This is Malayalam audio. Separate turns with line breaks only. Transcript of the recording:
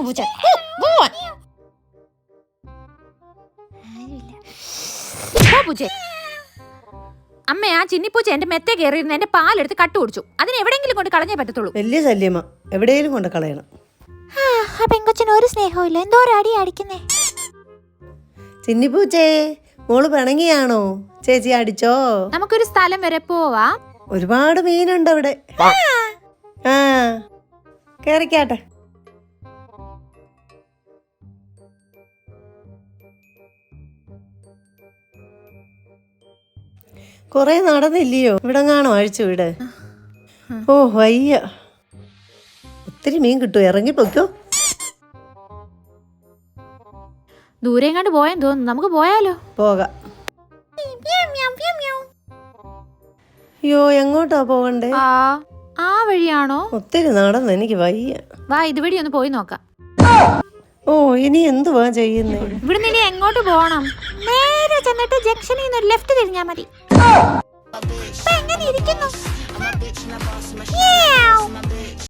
പൂച്ച.
അമ്മ ആ ചിന്നിപ്പൂച്ച എന്റെ മെത്തെ കയറിയിരുന്ന എന്റെ പാലെടുത്ത് കട്ട് കുടിച്ചു. അതിന് എവിടെയെങ്കിലും കൊണ്ട് കളഞ്ഞേ പറ്റത്തുള്ളൂ.
വലിയ ശല്യമാ, എവിടെയെങ്കിലും കൊണ്ട് കളയണം.
ആ പെങ്കൊച്ചിന് ഒരു സ്നേഹവും എന്തോ അടി അടിക്കുന്നേ.
ചിന്നിപ്പൂച്ചേ, മോള് പിണങ്ങിയാണോ? ചേച്ചി അടിച്ചോ?
നമുക്കൊരു സ്ഥലം വരെ പോവാ.
ഒരുപാട് മീനുണ്ട് അവിടെ. ആ കേറിക്കാട്ടെ. കൊറേ നടന്നില്ലയോ? ഇവിടെ കാണോ അഴിച്ചു വിട്. ഓ വയ്യ, ഒത്തിരി മീൻ കിട്ടും. ഇറങ്ങിപ്പോക്കോ.
ദൂരെ കണ്ട് പോയെന്ന് തോന്നുന്നു. നമുക്ക് പോയാലോ?
പോകാം. അയ്യോ, എങ്ങോട്ടാ പോകണ്ടേ?
ആ വഴിയാണോ?
ഒത്തിരി നടന്ന് എനിക്ക് വയ്യ.
വാ ഇതുവഴി ഒന്ന് പോയി നോക്കാം.
ഓ ഇനി എന്തുവാ ചെയ്യുന്നേ?
ഇവിടുന്ന് ഇനി എങ്ങോട്ട് പോകണം?
നേരെ ചെന്നിട്ട് ജംഗ്ഷനിൽ നിന്ന് ലെഫ്റ്റ് തിരിഞ്ഞാ മതി. എങ്ങനെ ഇരിക്കുന്നു?